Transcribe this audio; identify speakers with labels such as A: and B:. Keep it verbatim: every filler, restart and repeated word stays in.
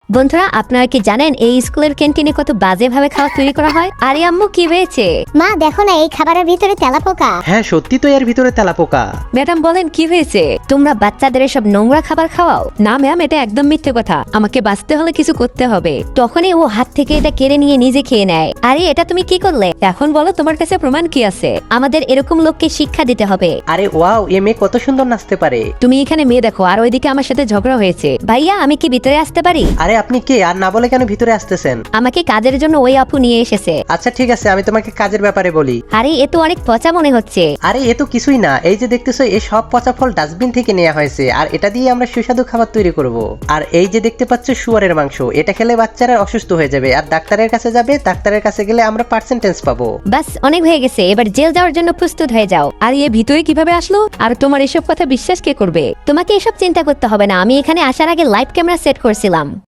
A: বন্ধুরা আপনারা কি জানেন এই স্কুলের ক্যান্টিনে কত বাজে ভাবে খাবার তৈরি করা হয়? আরে আম্মু কি হয়েছে?
B: মা দেখো না এই খাবারের ভিতরে তেলাপোকা।
C: হ্যাঁ সত্যি তো এর ভিতরে তেলাপোকা।
A: ম্যাডাম বলেন কি হয়েছে? তোমরা বাচ্চাদের সব নোংরা খাবার খাওয়াও? না ম্যাম, এটা একদম মিথ্যে কথা, আমাকে বাঁচতে হলে কিছু করতে হবে। তখনই ও হাত থেকে এটা কেড়ে নিয়ে নিজে খেয়ে নেয়। আরে এটা তুমি কি করলে? এখন বলো তোমার কাছে প্রমাণ কি আছে? আমাদের এরকম লোককে শিক্ষা দিতে হবে।
C: আরে ওয়াও, এ মেয়ে কত সুন্দর নাচতে পারে।
A: তুমি এখানে মেয়ে দেখো আর ওইদিকে আমার সাথে ঝগড়া হয়েছে। ভাইয়া আমি কি ভিতরে আসতে পারি?
C: আরে আপনি কে আর না বলে কেন ভিতরে আসতেছেন?
A: আমাকে কাজের জন্য ওই আপু নিয়ে এসেছে।
C: আচ্ছা ঠিক আছে, আমি তোমাকে কাজের ব্যাপারে বলি।
A: আরে এ তো অনেক পচা মনে হচ্ছে।
C: আরে এ তো কিছুই না, এই যে দেখতেছো এই সব পচা ফল ডাস্টবিন থেকে নেওয়া হয়েছে আর এটা দিয়ে আমরা সুস্বাদু খাবার তৈরি করব। আর এই যে দেখতে পাচ্ছ শুয়ারের মাংস, এটা খেলে বাচ্চারা অসুস্থ হয়ে যাবে আর ডাক্তারের কাছে যাবে, ডাক্তারের কাছে গেলে আমরা পার্সেন্টেজ পাবো।
A: বাস অনেক হয়ে গেছে, এবার জেল যাওয়ার জন্য প্রস্তুত হয়ে যাও। আর এ ভিতরে কিভাবে আসলো? আর তোমার এসব কথা বিশ্বাস কে করবে? তোমাকে এসব চিন্তা করতে হবে না, আমি এখানে আসার আগে লাইভ ক্যামেরা সেট করছিলাম।